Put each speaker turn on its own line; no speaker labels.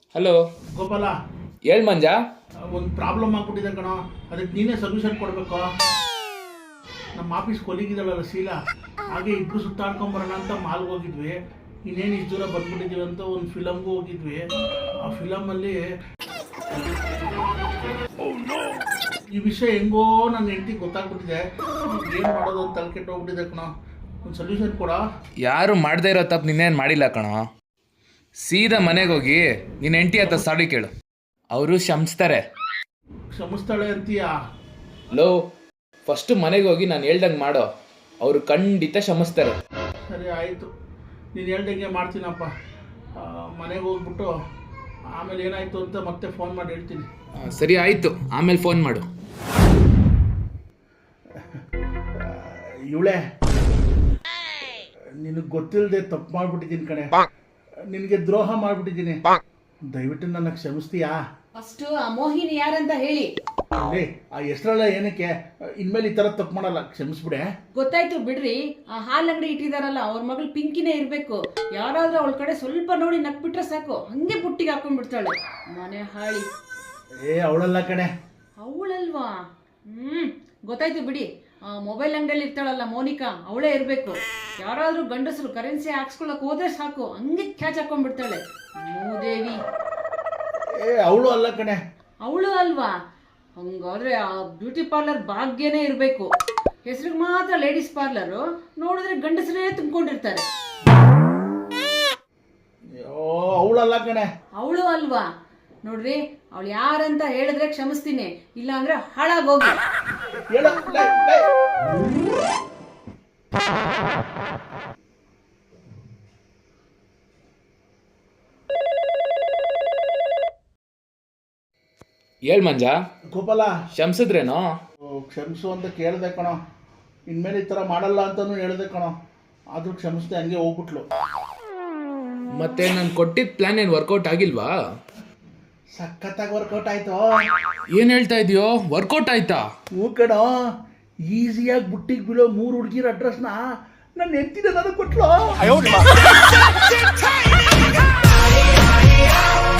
Hello
Gopala,
ಹೇಳ್ ಮಂಜ.
ಒಂದು problem ಆಗ್ಬಿಟ್ಟಿದೆ ಕಣೋ. ಅದಕ್ಕೆ ನೀನೇ ಸೊಲ್ಯೂಷನ್ ಕೊಡಬೇಕು. ನಮ್ಮ ಆಫೀಸ್ ಕೊಲಿಗಿದಳಲ್ಲ ಶೀಲಾ, ಹಾಗೆ ಇಬ್ಬರು ಸುತ್ತಾಡ್ಕೊಂಬರೋಣ ಅಂತ ಮಾಲ್ಗೆ ಹೋಗಿದ್ವಿ. ಇನ್ನೇನು ಇಷ್ಟು ದೂರ ಬಂದ್ಬಿಟ್ಟಿದ್ದೀವಿ ಅಂತ ಒಂದು ಫಿಲಮ್ಗೂ ಹೋಗಿದ್ವಿ. ಆ ಫಿಲಮಲ್ಲಿ ಈ ವಿಷಯ ಹೆಂಗೋ ನನ್ನ ಹೆಂಡತಿಗೆ ಗೊತ್ತಾಗ್ಬಿಟ್ಟಿದೆ. ಏನು ಮಾಡೋದು ಅಂತ ತಲೆ ಕೆಟ್ಟೋಗ್ಬಿಟ್ಟಿದೆ ಕಣೋ. ಒಂದು ಸೊಲ್ಯೂಷನ್ ಕೊಡ.
ಯಾರು ಮಾಡದೇ ಇರೋ ತಪ್ಪು ನಿನ್ನೇನು ಮಾಡಿಲ್ಲ ಕಣೋ. ಸೀದಾ ಮನೆಗೆ ಹೋಗಿ ನಿನ್ನ ಹೆಂಡತಿ ಹತ್ರ ಸಾರಿ ಕೇಳು, ಅವರು ಕ್ಷಮಿಸ್ತಾರೆ.
ಕ್ಷಮಿಸ್ತಾಳೆ ಅಂತೀಯಾ?
ಲೋ, ಫಸ್ಟು ಮನೆಗೆ ಹೋಗಿ ನಾನು ಹೇಳ್ದಂಗೆ ಮಾಡೋ, ಅವರು ಖಂಡಿತ ಕ್ಷಮಿಸ್ತಾರೆ.
ಸರಿ ಆಯಿತು, ನೀನು ಹೇಳ್ದಂಗೆ ಮಾಡ್ತೀನಪ್ಪ. ಮನೆಗೆ ಹೋಗ್ಬಿಟ್ಟು ಆಮೇಲೆ ಏನಾಯಿತು ಅಂತ ಮತ್ತೆ ಫೋನ್ ಮಾಡಿ ಹೇಳ್ತೀನಿ.
ಸರಿ ಆಯಿತು, ಆಮೇಲೆ ಫೋನ್ ಮಾಡು.
ಇವಳೆ, ನಿನಗೆ ಗೊತ್ತಿಲ್ಲದೆ ತಪ್ಪು ಮಾಡಿಬಿಟ್ಟಿದ್ದೀನಿ ಕಣೆ. ನಿನಗೆ ದ್ರೋಹ ಮಾಡಿಬಿಟ್ಟಿದ್ದೀನಿ. ದಯವಿಟ್ಟು ನನ್ನ ಕ್ಷಮಿಸ್ತೀಯಾ?
ಫಸ್ಟ್ ಆ ಮೋಹಿನಿ ಯಾರಂತ ಹೇಳಿ.
ಅಲ್ಲೇ ಆ ಹೆಸರೆಲ್ಲ ಏನಕ್ಕೆ? ಇನ್ಮೇಲೆ ಈ ಥರ ತಪ್ಪು ಮಾಡಲ್ಲ, ಕ್ಷಮಿಸ್ಬಿಡೆ.
ಗೊತ್ತಾಯ್ತು ಬಿಡ್ರಿ. ಆ ಹಾಲ್ ಅಂಗಡಿ ಇಟ್ಟಿದಾರಲ್ಲ, ಅವ್ರ ಮಗಳು ಪಿಂಕಿನೇ ಇರ್ಬೇಕು. ಯಾರಾದ್ರೂ ಅವಳ ಕಡೆ ಸ್ವಲ್ಪ ನೋಡಿ ನಕ್ಬಿಟ್ರೆ ಸಾಕು, ಹಂಗೆ ಬುಟ್ಟಿಗೆ ಹಾಕೊಂಡ್ಬಿಡ್ತಾಳೆ. ಮನೆ ಹಾಳಿ.
ಅವಳಲ್ಲ ಕಣೆ.
ಅವಳಲ್ವಾ? ಗೊತ್ತಾಯ್ತು ಬಿಡಿ. ಆ ಮೊಬೈಲ್ ಅಂಗಡಿಯಲ್ಲಿ ಇರ್ತಾಳಲ್ಲ ಮೋನಿಕಾ, ಅವಳೇ ಇರ್ಬೇಕು. ಯಾರಾದ್ರೂ ಗಂಡಸರು ಕರೆನ್ಸಿ ಹಾಕ್ಸ್ಕೊಳಕ್ ಹೋದ್ರೆ ಸಾಕು, ಹಂಗೆ ಕ್ಯಾಚ್ ಹಾಕೊಂಡ್ಬಿಡ್ತಾಳೆ. ಮೂದೇವಿ.
ಅವಳು ಅಲ್ಲ ಕಣೆ.
ಅವಳು ಅಲ್ವಾ? ಹಂಗಾದ್ರೆ ಆ ಬ್ಯೂಟಿ ಪಾರ್ಲರ್ ಭಾಗ್ಯನೇ ಇರಬೇಕು. ಹೆಸರಿಗೆ ಮಾತ್ರ ಲೇಡೀಸ್ ಪಾರ್ಲರು, ನೋಡಿದ್ರೆ ಗಂಡಸರೇ ತುಂಬಿಕೊಂಡಿರ್ತಾರೆ.
ಅವಳಲ್ಲ ಕಣೆ.
ಅವಳು ಅಲ್ವಾ? ನೋಡ್ರಿ, ಅವಳು ಯಾರಂತ ಹೇಳಿದ್ರೆ ಕ್ಷಮಿಸ್ತೀನಿ, ಇಲ್ಲ ಅಂದ್ರೆ ಹಾಳಾಗೋಗಿ.
ಹೇಳ್ ಮಂಜ.
ಗೋಪಾಲ,
ಕ್ಷಮಿಸಿದ್ರೇನೋ?
ಕ್ಷಮಿಸು ಅಂತ ಕೇಳಿದೆ ಕಣೋ. ಇನ್ಮೇಲೆ ಈ ಥರ ಮಾಡಲ್ಲ ಅಂತಲೂ ಹೇಳಿದೆ ಕಣೋ. ಆದರೂ ಕ್ಷಮಿಸ್ದೆ, ಹಂಗೆ ಹೋಗ್ಬಿಟ್ಲು.
ಮತ್ತೆ ನಾನು ಕೊಟ್ಟಿದ್ದ ಪ್ಲಾನ್ ಏನು ವರ್ಕೌಟ್ ಆಗಿಲ್ವಾ?
ಸಖತ್ತಾಗಿ ವರ್ಕೌಟ್ ಆಯ್ತು.
ಏನು ಹೇಳ್ತಾ ಇದೆಯೋ? ವರ್ಕೌಟ್ ಆಯ್ತಾ?
ಹೂ ಕಣೋ. ಈಸಿಯಾಗಿ ಬುಟ್ಟಿಗೆ ಬೀಳೋ 3 ಹುಡುಗಿರ ಅಡ್ರೆಸ್ನ ನನ್ನ ಹೆಂಡತಿನ ನನಗೆ ಕೊಟ್ಲು.